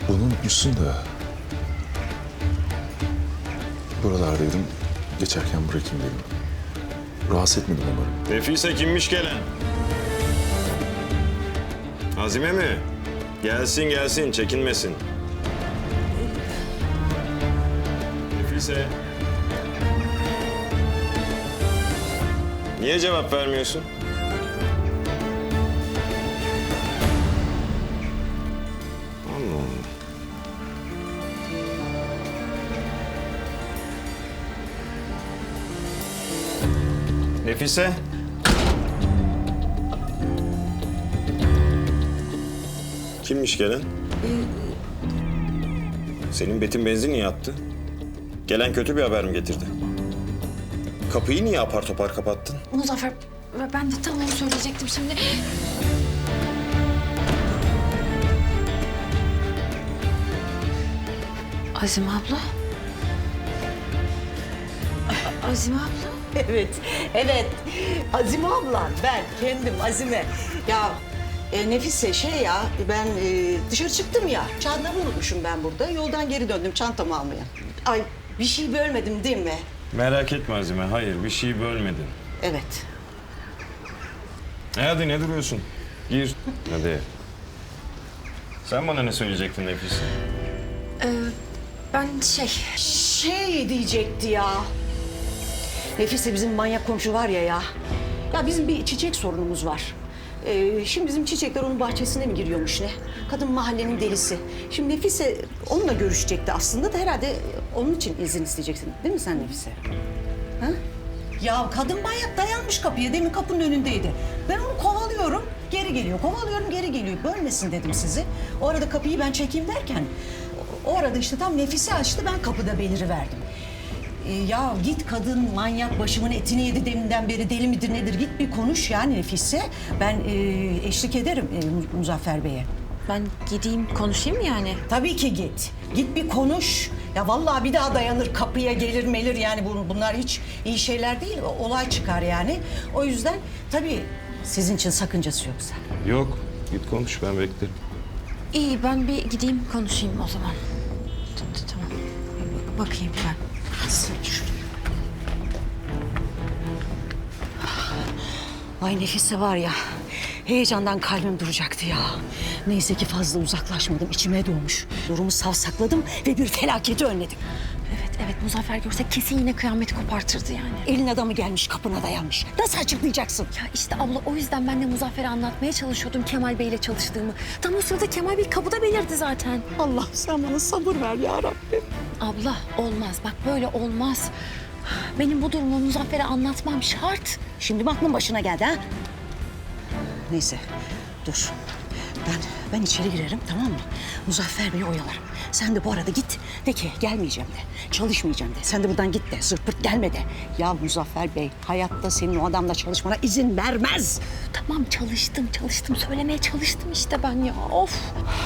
Bunu unutmuşsun da. Buralardaydım. Geçerken bırakayım dedim. Rahatsız etmedim umarım. Nefise kimmiş gelen? Azime mi? Gelsin gelsin, çekinmesin. Nefise. Niye cevap vermiyorsun? Allah Allah. Nefise. Kimmiş gelen? Senin Betin benzin niye attı? Gelen kötü bir haber mi getirdi? Kapıyı niye apar topar kapattın? Muzaffer, ben de tam onu söyleyecektim şimdi. Azime abla. Azime abla. Evet, evet. Azime ablan, ben kendim Azime. Ya Nefise ben dışarı çıktım ya. Çantamı unutmuşum ben burada. Yoldan geri döndüm çantamı almaya. Ay bir şey bölmedim değil mi? Merak etme Azime, hayır bir şey bölmedin. Evet. Hadi ne duruyorsun? Gir. Hadi. Sen bana ne söyleyecektin Nefise? Ben Şey diyecekti ya. Nefise bizim manyak komşu var ya. Ya bizim bir çiçek sorunumuz var. Şimdi bizim çiçekler onun bahçesine mi giriyormuş ne? Kadın mahallenin delisi. Şimdi Nefise onunla görüşecekti aslında da herhalde onun için izin isteyeceksin. Değil mi sen Nefise? Ha? Ya kadın manyak dayanmış kapıya. Demin kapının önündeydi. Ben onu kovalıyorum. Geri geliyor. Kovalıyorum geri geliyor. Bölmesin dedim sizi. O arada kapıyı ben çekeyim derken... O arada işte tam Nefise açtı. Ben kapıda beliriverdim. Ya git kadın manyak başımın etini yedi deminden beri deli midir nedir git bir konuş yani Nefise. Ben eşlik ederim Muzaffer Bey'e. Ben gideyim konuşayım mı yani? Tabii ki git. Git bir konuş. Ya vallahi bir daha dayanır kapıya gelir melir yani bunlar hiç iyi şeyler değil. Olay çıkar yani. O yüzden tabii sizin için sakıncası yoksa. Yok, git konuş ben beklerim. İyi, ben bir gideyim konuşayım o zaman. Tamam. Bakayım ben. Ay Nefise var ya, heyecandan kalbim duracaktı ya. Neyse ki fazla uzaklaşmadım, içime doğmuş. Durumu savsakladım ve bir felaketi önledim. Evet, Muzaffer görse kesin yine kıyameti kopartırdı yani. Elin adamı gelmiş, kapına dayanmış. Nasıl açıklayacaksın? Ya işte abla o yüzden ben de Muzaffer'e anlatmaya çalışıyordum Kemal Bey'le çalıştığımı. Tam o sırada Kemal Bey kapıda belirdi zaten. Allah sen bana sabır ver ya Rabbim. Abla olmaz, bak böyle olmaz. Benim bu durumu Muzaffer'e anlatmam şart. Şimdi mi aklın başına geldi ha? Neyse, dur. Ben içeri girerim, tamam mı? Muzaffer Bey'i oyalarım. Sen de bu arada git, de ki gelmeyeceğim de, çalışmayacağım de. Sen de buradan git de, zırt pırt gelme de. Ya Muzaffer Bey, hayatta senin o adamla çalışmana izin vermez. Tamam çalıştım. Söylemeye çalıştım işte ben ya. Of.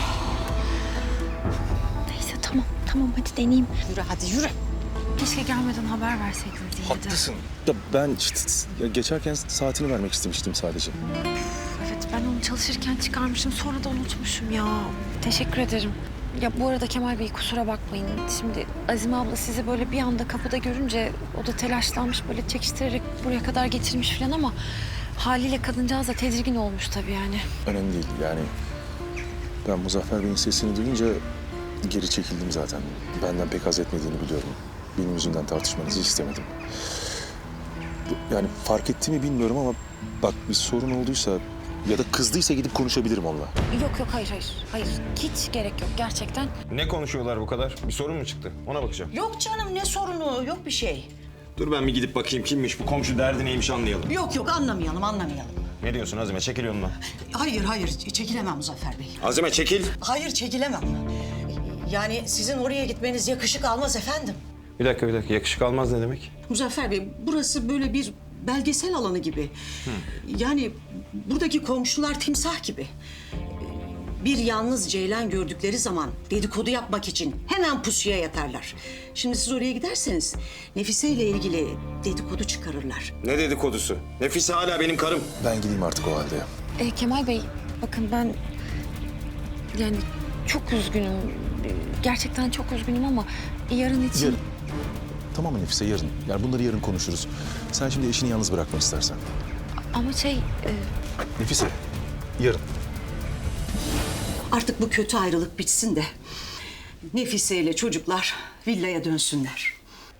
Neyse tamam hadi deneyeyim. Yürü hadi yürü. Keşke gelmeden haber verseydiniz iyiydi. Haklısın. Da ben işte geçerken saatini vermek istemiştim sadece. Evet ben onu çalışırken çıkarmışım sonra da unutmuşum ya. Teşekkür ederim. Ya bu arada Kemal Bey kusura bakmayın. Şimdi Azime abla sizi böyle bir anda kapıda görünce o da telaşlanmış böyle çekiştirerek buraya kadar getirmiş falan ama haliyle kadıncağız da tedirgin olmuş tabii yani. Önemli değil yani. Ben Muzaffer Bey'in sesini duyunca geri çekildim zaten. Benden pek haz etmediğini biliyorum. Benim yüzümden tartışmanızı istemedim. Yani fark etti mi bilmiyorum ama bak bir sorun olduysa ya da kızdıysa gidip konuşabilirim onunla. Yok hayır. Hiç gerek yok gerçekten. Ne konuşuyorlar bu kadar? Bir sorun mu çıktı? Ona bakacağım. Yok canım ne sorunu, yok bir şey. Dur ben bir gidip bakayım kimmiş bu komşu derdi neymiş anlayalım. Yok anlamayalım. Ne diyorsun Azime? Çekil yolundan. Hayır çekilemem Muzaffer Bey. Azime çekil. Hayır çekilemem. Yani sizin oraya gitmeniz yakışık almaz efendim. Bir dakika. Yakışık almaz ne demek? Muzaffer Bey, burası böyle bir belgesel alanı gibi. Yani buradaki komşular timsah gibi. Bir yalnız ceylan gördükleri zaman dedikodu yapmak için hemen pusuya yatarlar. Şimdi siz oraya giderseniz Nefise ile ilgili dedikodu çıkarırlar. Ne dedikodusu? Nefise hala benim karım. Ben gideyim artık o halde. Kemal Bey bakın ben yani çok üzgünüm. Gerçekten çok üzgünüm ama yarın için... Yarın. Tamam mı Nefise, yarın. Yani bunları yarın konuşuruz. Sen şimdi eşini yalnız bırakma istersen. Ama Nefise, yarın. Artık bu kötü ayrılık bitsin de Nefise ile çocuklar villaya dönsünler.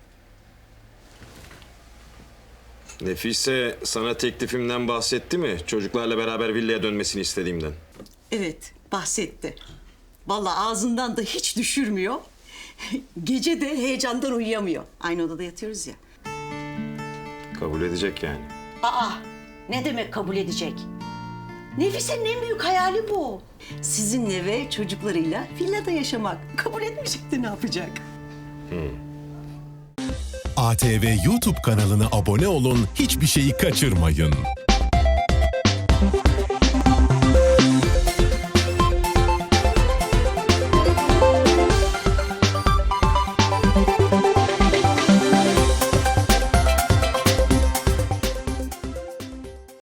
Nefise sana teklifimden bahsetti mi? Çocuklarla beraber villaya dönmesini istediğimden. Evet, bahsetti. Vallahi ağzından da hiç düşürmüyor. Gece de heyecandan uyuyamıyor. Aynı odada yatıyoruz ya. Kabul edecek yani. Aa, ne demek kabul edecek? Nefise'nin en büyük hayali bu. Sizinle ve çocuklarıyla villada yaşamak. Kabul etmeyecek de ne yapacak? ATV YouTube kanalına abone olun, hiçbir şeyi kaçırmayın.